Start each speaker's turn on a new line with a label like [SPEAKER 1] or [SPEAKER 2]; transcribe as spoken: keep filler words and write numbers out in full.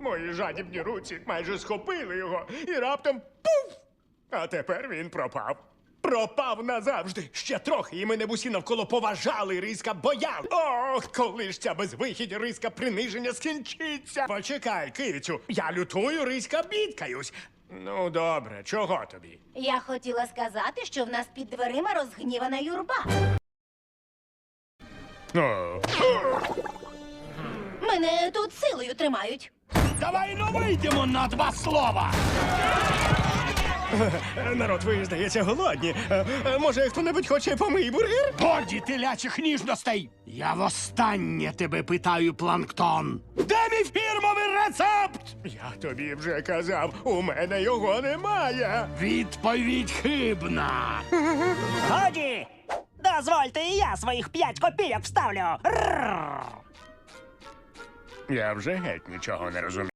[SPEAKER 1] Мої жадібні руці майже схопили його і раптом пуф! А тепер він пропав. Пропав назавжди. Ще трохи, і мене б усі навколо поважали, риска бояли. Ох, коли ж ця безвихідь риска приниження скінчиться. Почекай, кицю, я лютую, риска бідкаюсь. Ну, добре, чого тобі?
[SPEAKER 2] Я хотіла сказати, що в нас під дверима розгнівана юрба.
[SPEAKER 1] О,
[SPEAKER 2] Мене тут силою тримають.
[SPEAKER 3] Давай ну вийдемо на два слова.
[SPEAKER 1] народ, ви, здається, голодні. Е, е, Може, хто-небудь хоче помий бургер?
[SPEAKER 3] Годі телячих ніжностей. Я востаннє тебе питаю, Планктон. Де мій фірмовий рецепт?
[SPEAKER 1] Я тобі вже казав, у мене його немає.
[SPEAKER 3] Відповідь хибна.
[SPEAKER 4] Годі! Дозвольте, і я своїх п'ять копійок вставлю. Рррр.
[SPEAKER 1] Я вже геть нічого не розумію.